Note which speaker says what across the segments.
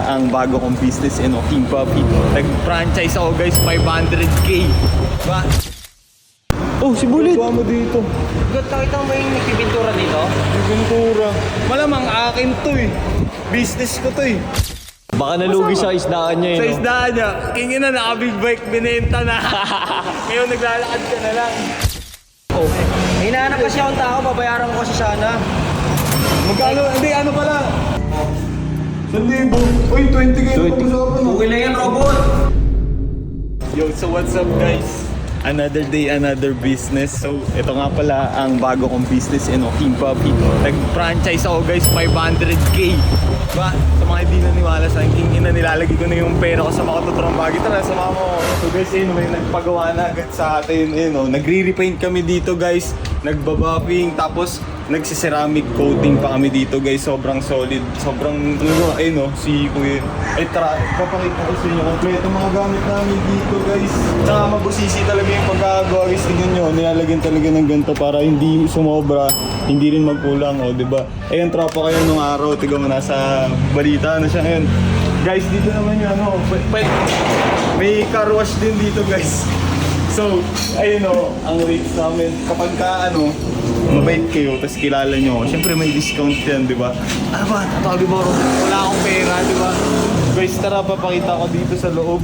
Speaker 1: ang bago kong business, King Puppy. Nag-franchise ako guys, 500k. Diba?
Speaker 2: Oh, si Bullet!
Speaker 1: Kuha mo dito.
Speaker 3: Nakita mo yung nagpipintura dito?
Speaker 1: Pintura. Malamang akin to eh. Business ko to eh.
Speaker 2: Baka nalugi sa isdaan niya
Speaker 1: Sa
Speaker 2: eh, no?
Speaker 1: isdaan niya, kingin na naka-big bike, binenta na. Ngayon naglalakad ka na lang.
Speaker 3: Oh. May hinahanap kasi akong tao, babayaran ko kasi sana.
Speaker 1: Magkano? Hindi, ano pala? 1,000. Uy, 20k na pag-usapan.
Speaker 3: Okay lang yan, robot!
Speaker 1: Yo, so what's up guys? Another day, another business. So, ito nga pala ang bago kong business, King Puppy. Nag-franchise ako guys, 500k. Diba? Sa mga hindi naniwala sa akin, nilalagay ko na yung pera ko sa mga tuturang bagay. Tara, sama mo. So guys, may nagpagawa na agad sa atin. Nagre-repaint kami dito guys. Nagbabuffing, tapos nagsiceramic coating pa kami dito guys. Sobrang solid. Sobrang, si Kuya. Tara, papakita ko sa inyo. Kompleto mga gamit namin dito guys. Tsaka mabusisi talaga yung pagkagawa guys. Tingnan nyo, nilalagyan talaga ng ganito para hindi sumobra, hindi rin magkulang, diba? Ayun, tropa kayo nung araw. Tignan mo, nasa balita na siya ngayon. Guys, dito naman yung may car wash din dito guys. So, ayun ang rates namin. Kapag mabait kayo, tapos kilala nyo, syempre may discount yan, di ba? Ano ba? Tawag mo, wala akong pera, di ba? Guys, tara, papakita ko dito sa loob.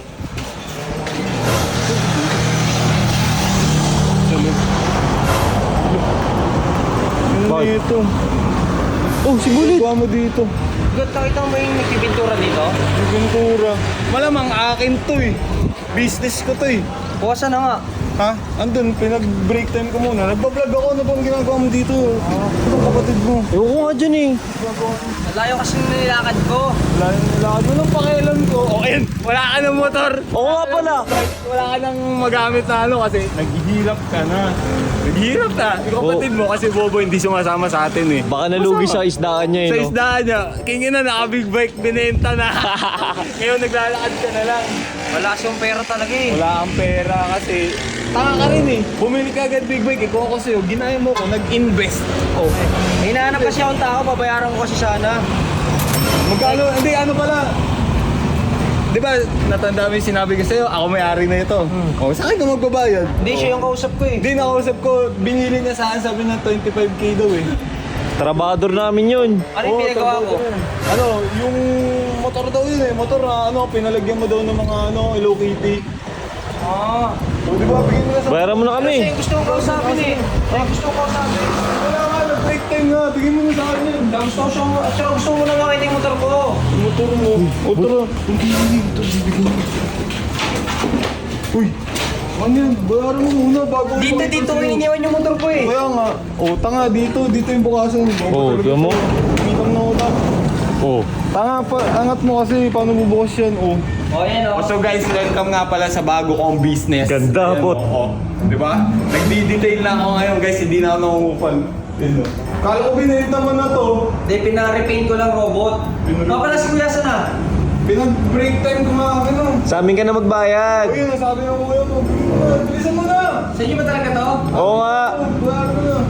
Speaker 1: Ano dito?
Speaker 2: Oh, si Bullet!
Speaker 1: Kuha mo dito.
Speaker 3: Nakita mo yung nagpipintura dito?
Speaker 1: Pintura. Malamang akin to eh. Business ko to eh.
Speaker 3: Bukasan na nga.
Speaker 1: Ha? Andun, pinag-break time ko muna. Nagbablog ako, ano bang ginagawa mo dito? Ano kapatid mo?
Speaker 2: Ewan ko nga dyan eh.
Speaker 3: Nalayo kasi nilakad ko.
Speaker 1: Wala yung nilakad mo ng pakialam ko. Okay, wala ka ng motor.
Speaker 2: Oo nga pala.
Speaker 1: Wala ka nang magamit na kasi naghihirap ka na. Naghihirap na. Yung kapatid mo kasi bobo hindi sumasama sa atin eh.
Speaker 2: Baka nalugi sa isdaan niya eh,
Speaker 1: Sa
Speaker 2: no?
Speaker 1: isdaan niya, kingin na naka-big bike, binenta na. Ngayon naglalakad ka na lang.
Speaker 3: Wala siyang pera talaga eh.
Speaker 1: Wala kang pera kasi tanga ka rin eh. Bumili ka agad big bike, ikaw ako sa'yo. Ginaya mo ko, nag-invest. Oh.
Speaker 3: May hinahanap kasi akong tao, babayaran ko kasi sana.
Speaker 1: Magkano? Hindi, ano pala? Di ba, natanda mo yung sinabi ko sa'yo, ako may-ari na ito. Oh, sa akin ka magbabayad.
Speaker 3: Hindi, siya yung kausap ko eh.
Speaker 1: Hindi, nakausap ko, binili niya sa akin, sabi na 25k daw eh.
Speaker 2: Trabador namin yun.
Speaker 3: Ano yung pinagawa ko?
Speaker 1: Yung motor daw yun eh. Motor na pinalagyan mo daw ng mga Hello Kitty.
Speaker 3: Ah.
Speaker 1: O di ba, bigyan mo na sa...
Speaker 2: Bayaran mo na kami.
Speaker 3: Kasi gusto kong kausapin eh. Gusto kong kausapin.
Speaker 1: Wala nga, nag-break time nga. Bigyan mo na sa akin yun.
Speaker 3: Gusto mo na makita yung motor ko.
Speaker 1: Motor mo. Motor mo. Hindi. Ito, bibigyan mo. Uy! Ano yan? Bayaran mo muna bago...
Speaker 3: Dito ko iniwan yung motor ko eh.
Speaker 1: Kaya nga. Tanga, dito yung bukasan.
Speaker 2: Tignan mo.
Speaker 1: Umitang na utang. Tanga, angat mo kasi. Paano bubukas yan?
Speaker 3: Yan o.
Speaker 1: So guys, welcome nga pala sa bago kong business.
Speaker 2: Ganda, bot.
Speaker 1: Di ba? Nagdi-detail lang ako ngayon guys, hindi na ako nangungupal. Kala ko binenta mo na to.
Speaker 3: Hindi, pina-repaint ko lang robot. Pala si Kuya sana.
Speaker 1: Pinag-break time ko nga
Speaker 2: Sa amin ka na magbayad.
Speaker 1: Ayun, nasabi ng kuya mo. Bilisan mo na!
Speaker 3: Sa inyo ba talaga to?
Speaker 2: Oo nga.
Speaker 1: Bayaran mo na.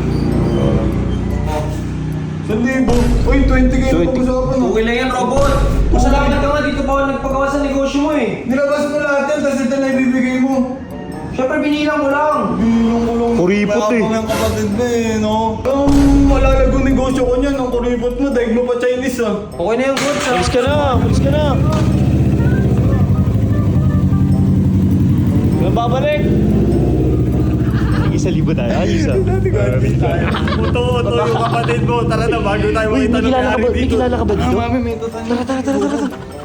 Speaker 1: 1,000. Uy, 20k na
Speaker 2: 20.
Speaker 1: pag-usapan.
Speaker 3: Okay lang yan, robot. Masalamat ka nga, dito pa ako nagpagawa sa negosyo mo eh.
Speaker 1: Nilabas mo lahat yan, tapos ito na ibibigay mo.
Speaker 3: Siyempre, binilang ko lang.
Speaker 1: Yung kulong.
Speaker 2: Kuripot eh.
Speaker 1: Mayabang yung kapatid mo no? Ang malalagong negosyo ko niyan, ang kuripot mo, daig mo pa Chinese ah.
Speaker 3: Okay na yung goods ah.
Speaker 2: Alis ka na. Alis ka na. Kailan babalik? Isa libo tayo. Isa.
Speaker 1: Uto yung kapatid mo. Tara na, bago tayo
Speaker 2: Uy,
Speaker 1: makita ng
Speaker 2: may kilala ka ba dito?
Speaker 1: Mami, may tutan.
Speaker 2: Tara.